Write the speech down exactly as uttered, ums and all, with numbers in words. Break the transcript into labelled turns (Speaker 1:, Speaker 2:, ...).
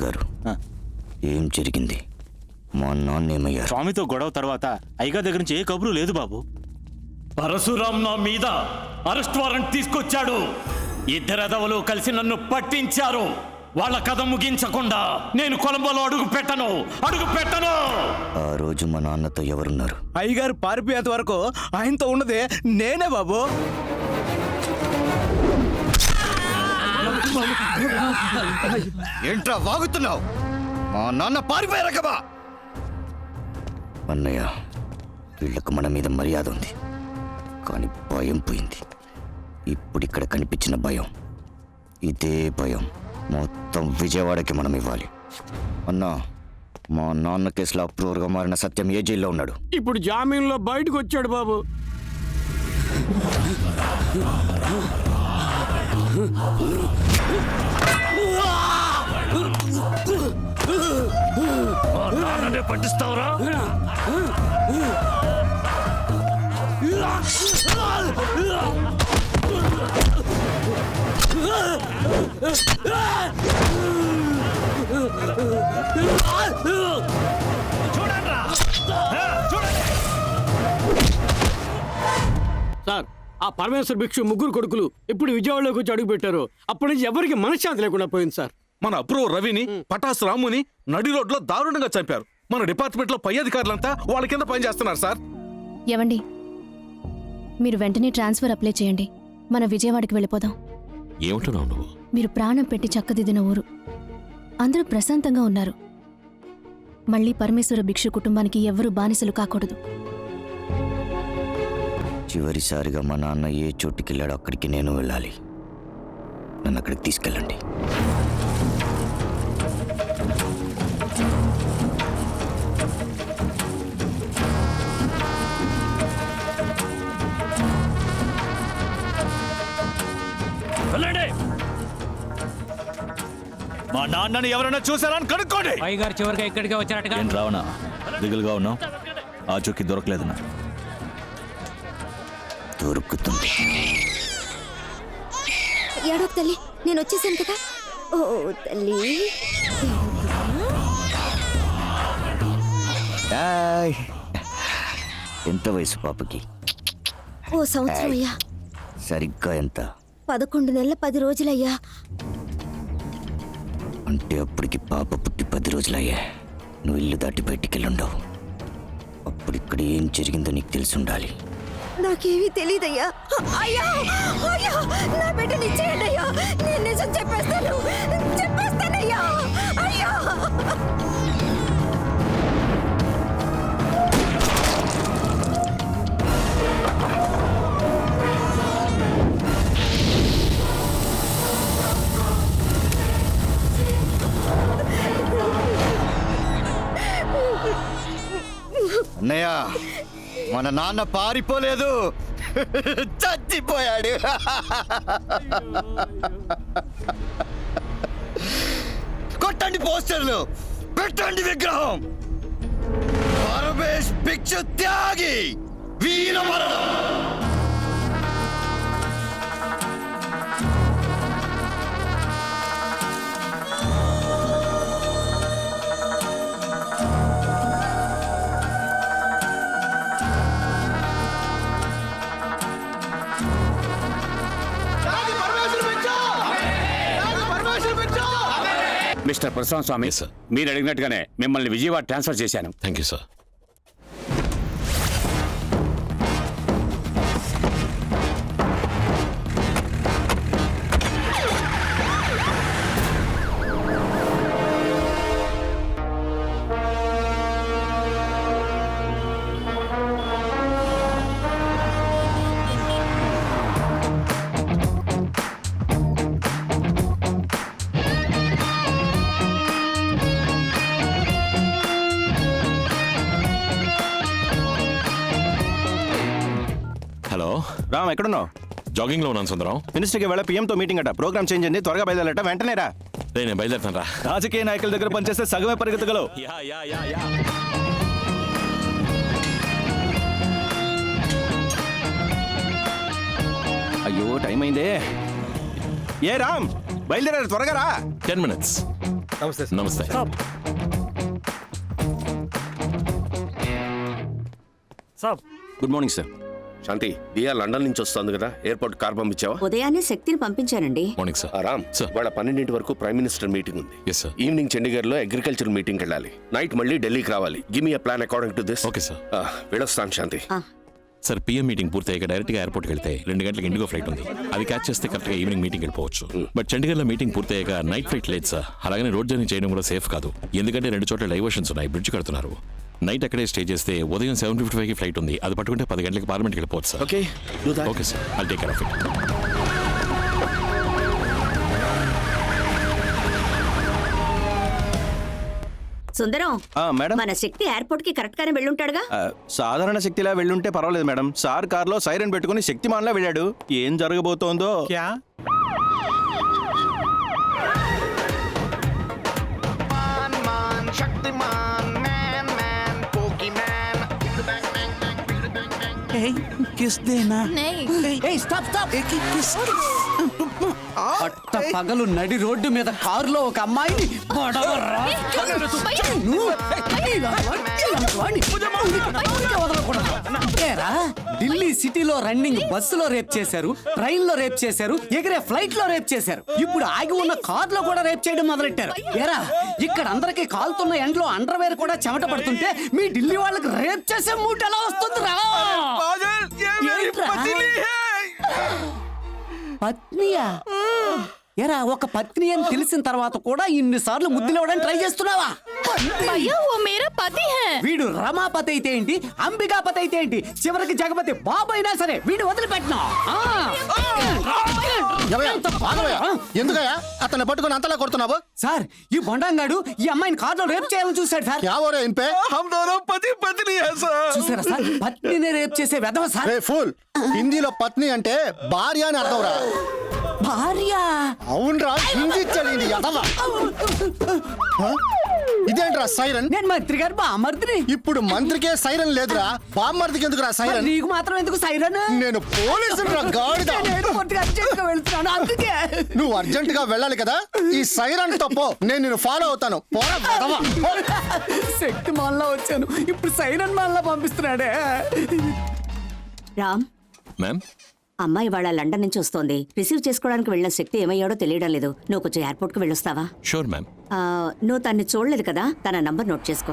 Speaker 1: గారు ఏం జరిగింది? మా నాన్న ఏమయ్యారు?
Speaker 2: స్వామితో గొడవ తర్వాత అయ్యగారి దగ్గర నుంచి ఏ కబురు లేదు బాబు.
Speaker 3: పరశురాం నా మీద అరెస్ట్ వారెంట్ తీసుకొచ్చాడు. ఇద్దరెదవలు కలిసి నన్ను పట్టించారు. వాళ్ళ కథ ముగించకుండా నేను కొలంబోలో అడుగు పెట్టను అడుగు పెట్టను
Speaker 1: ఆ రోజు మా నాన్నతో ఎవరున్నారు?
Speaker 4: అయ్యగారు పారిపోయేంత వరకు ఆయనతో ఉన్నదే నేనే బాబు.
Speaker 1: ఏంట్రా వాగుతున్నావు? మా నాన్న పారిపోయారా కబా? అన్నయ్య, వీళ్ళకు మన మీద మర్యాద ఉంది, కానీ భయం పోయింది. ఇప్పుడు ఇక్కడ కనిపించిన భయం, ఇదే భయం మొత్తం విజయవాడకి మనం ఇవ్వాలి. అన్నా, మా నాన్న కేసులో అప్రూవర్గా మారిన సత్యం ఏ జైల్లో ఉన్నాడు?
Speaker 5: ఇప్పుడు జామీన్లో బయటకు వచ్చాడు బాబు.
Speaker 3: పట్టిస్తావురా?
Speaker 5: సార్, ఆ పరమేశ్వర భిక్షు ముగ్గురు కొడుకులు ఇప్పుడు విజయవాడలోకి వచ్చి అడుగు పెట్టారు. అప్పటి నుంచి ఎవరికి మనశ్శాంతి లేకుండా పోయింది సార్.
Speaker 6: మన అప్రూవ్ రవిని, పటాస్ రాముని నడి రోడ్లో దారుణంగా చంపారు. మన డిపార్ట్మెంట్ లో పై అధికారులంతా వాళ్ళ కింద పని చేస్తున్నారు సార్.
Speaker 7: ఏవండి, మీరు వెంటనే ట్రాన్స్ఫర్ అప్లై చేయండి. మన విజయవాడకి వెళ్ళిపోదాం.
Speaker 8: ఏమంటున్నావు నువ్వు?
Speaker 7: మీరు ప్రాణం పెట్టి చక్కదిద్దిన ఊరు, అందరూ ప్రశాంతంగా ఉన్నారు. మళ్ళీ పరమేశ్వర భిక్షు కుటుంబానికి ఎవ్వరూ బానిసలు కాకూడదు.
Speaker 1: చివరిసారిగా మా నాన్న ఏ చోటుకి వెళ్ళాడో అక్కడికి నేను వెళ్ళాలి. నన్ను అక్కడికి తీసుకెళ్ళండి.
Speaker 3: మా నాన్నని ఎవరైనా చూసారని కనుక్కోండి.
Speaker 2: అయ్యగారు చివరిగా ఇక్కడికే వచ్చారటగా.
Speaker 8: ఏం రావనా దిగులుగా ఉన్నావు? ఆ చుక్కి దొరకలేదన్నా?
Speaker 1: దొరుకుతుంది.
Speaker 7: ఏడోక్ తల్లి, నేను వచ్చేసాను కదా. ఓ తల్లి,
Speaker 1: హాయ్. ఎంత వయసు పాపకి?
Speaker 7: ఓ సంవత్సరం అయ్యా.
Speaker 1: సరిగ్గా ఎంత?
Speaker 7: పదకొండు నెలల పది రోజులయ్యా.
Speaker 1: అంటే అప్పటికి పాప పుట్టి పది రోజులయ్యా. నువ్వు ఇల్లు దాటి బయటికి వెళ్ళుండవు. అప్పుడు ఇక్కడ ఏం జరిగిందో నీకు తెలిసి ఉండాలి.
Speaker 7: నాకేమీ తెలీదయ్యా. అయ్యా, అయ్యా, నా బిడ్డని ఇచ్చేయండి అయ్యా. నేను నిజం చెప్పేస్తాను, చెప్పేస్తానయ్యా. అయ్యా,
Speaker 1: అన్నయ్య, మన నాన్న పారిపోలేదు, చచ్చిపోయాడు. కొట్టండి పోస్టర్లు, పెట్టండి విగ్రహం. పరమేశ్ భిక్షు త్యాగి వీర మరణం.
Speaker 2: మిస్టర్ ప్రశాంత్ స్వామి, మీరు అడిగినట్టుగానే మిమ్మల్ని విజయవాడ ట్రాన్స్ఫర్ చేశాను.
Speaker 8: Thank you sir. Hello
Speaker 4: Ram, ఎక్కడున్నావు?
Speaker 8: జాగింగ్ లో ఉన్నాను సుందరం.
Speaker 4: మినిస్టర్కి వెళ్ళ పిఎంతో మీటింగ్ అట. ప్రోగ్రామ్ చేంజ్ అయింది, త్వరగా బయలుదేరట. వెంటనే రా.
Speaker 8: నేను బయలుదేరుతాను రా.
Speaker 4: రాజకీయ నాయకుల దగ్గర పనిచేస్తే సగమే పరిగెత్తగలవు.
Speaker 8: యా యా యా యా
Speaker 4: అయ్యో, టైం అయిందే. ఏ రామ్, బయలుదేరారు, త్వరగా రా.
Speaker 8: టెన్ మినిట్స్
Speaker 6: నమస్తే
Speaker 8: నమస్తే గుడ్ మార్నింగ్ సార్.
Speaker 9: శాంతి దియా లండన్ నుంచి వస్తుంది కదా ఎయిర్పోర్ట్ కార్ పంపించావా?
Speaker 10: ఉదయాన్నే శక్తిని పంపించానండి.
Speaker 8: Morning sir.
Speaker 9: ఆ, రామ్
Speaker 8: సార్.
Speaker 9: వాళ్ళ పన్నెండింటి వరకు ప్రైమ్ మినిస్టర్ మీటింగ్ ఉంది.
Speaker 8: Yes sir.
Speaker 9: ఈవినింగ్ చండీగఢ్ లో అగ్రికల్చర్ మీటింగ్ వెళ్ళాలి. నైట్ మళ్ళీ ఢిల్లీకి రావాలి. Give me plan according to this.
Speaker 8: Okay sir.
Speaker 9: వెళ్ళొస్తాను శాంతి.
Speaker 8: సార్ పిఎం మీటింగ్ పూర్తయ్యాక డైరెక్ట్ గా ఎయిర్పోర్ట్ వెళ్తే రెండు గంటలకు ఇండిగో ఫ్లైట్ ఉంది. అది క్యాచ్ చేస్తే కరెక్ట్ గా ఈవినింగ్ మీటింగ్ వెళ్ళిపోవచ్చు. బట్ చండీగఢ్ లో మీటింగ్ పూర్తయ్యాక నైట్ ఫ్లైట్ లేదు సార్. అలాగనే రోడ్ జర్నీ చేయడం కూడా సేఫ్ కాదు. ఎందుకంటే రెండు చోట్ల డైవర్షన్స్ ఉన్నాయి, బ్రిడ్జ్ కడుతున్నారు. నైట్ అక్కడే స్టే చేస్తే ఉదయం సెవెన్ ఫిఫ్టీ ఫైవ్ కి ఫ్లైట్ ఉంది. అది పట్టుకుంటే పది గంటలకు పార్లమెంట్కి వెళ్ళిపోవచ్చు sir.
Speaker 9: Okay do that.
Speaker 8: Okay sir, I'll take care of it.
Speaker 10: Sundaram,
Speaker 4: madam
Speaker 10: మన శక్తి ఎయిర్పోర్ట్ కి కరెక్ట్ గానే వెళ్ళుంటాడుగా.
Speaker 4: సాధారణ శక్తిలా వెళ్ళుంటే పర్వాలేదు మేడం. సార్ కార్లో సైరన్ పెట్టుకుని శక్తిమాన్లా వెళ్ళాడు. ఏం జరగబోతోందో.
Speaker 5: పట్ట పగలు నడి రోడ్డు మీద కారులో ఒక అమ్మాయిని బడవరా. ఏరా, ఢిల్లీ సిటీలో రన్నింగ్ బస్సులో రేప్ చేశారు, ట్రైన్ లో రేప్ చేశారు, ఎగిరే ఫ్లైట్ లో రేప్ చేశారు. ఇప్పుడు ఆగి ఉన్న కార్ లో కూడా రేప్ చేయడం మొదలెట్టారు. ఏరా, ఇక్కడ అందరికి కాలుతున్న ఎండ్లో అండర్వేర్ కూడా చెమట పడుతుంటే మీ ఢిల్లీ వాళ్ళకి రేప్ చేసే మూట ఎలా వస్తుందిరా? పత్నియా? ఎరా, ఒక పత్ని అని తెలిసిన తర్వాత కూడా ఇన్నిసార్లు ముద్దులేవడానికి ట్రై చేస్తున్నావా? వీడు రమాపతి అయితే ఏంటి, అంబికాపతి అయితే ఏంటి, చివరికి జగపతి బాబు అయినా సరే వీడు వదిలిపెట్టినా.
Speaker 1: ఎందుకయ్యా అతన్ని పట్టుకుని అంతలా కొడుతున్నావు?
Speaker 5: సార్, ఈ బొండంగాడు ఈ అమ్మాయిని కార్లో రేప్ చేయాలని చూశాడు సార్. చూసారా సార్, పత్నిని రేప్ చేసే వెధవ సార్.
Speaker 1: ఫుల్ హిందీలో పత్ని అంటే భార్య అని అర్థం రా.
Speaker 5: భార్య?
Speaker 1: అవునరా, హిందీ చదివింది ఎదవా. ఇదేంట్రా సైరన్?
Speaker 5: నేను మంత్రి గారు బామర్దిని.
Speaker 1: ఇప్పుడు మంత్రికే సైరన్ లేదురా, బామ్మర్దికి ఎందుకురా సైరన్?
Speaker 5: నీకు మాత్రం ఎందుకు సైరన్?
Speaker 1: నేను పోలీసులు రా గాడిద.
Speaker 5: వెళ్తున్నాను అందుకే.
Speaker 1: నువ్వు అర్జెంట్ గా వెళ్ళాలి కదా, ఈ సైరన్ తప్పో నేను నిన్ను ఫాలో అవుతాను. పోరా వెధవా.
Speaker 5: శక్తి మాల్లో వచ్చాను, ఇప్పుడు సైరన్ మాల్లో పంపిస్తున్నాడే.
Speaker 10: రామ్,
Speaker 8: మ్యామ్,
Speaker 10: అమ్మాయి వాళ్ళ లండన్ నుంచి వస్తోంది. రిసీవ్ చేసుకోవడానికి వెళ్ళిన శక్తి ఏమయ్యాడో తెలియడం లేదు. నువ్వు కొంచెం ఎయిర్పోర్ట్ కు వెళ్ళొస్తావా?
Speaker 8: Sure ma'am.
Speaker 10: ఆ, నువ్వు తన్ని చూడలేదు కదా, తన నంబర్ నోట్ చేసుకో.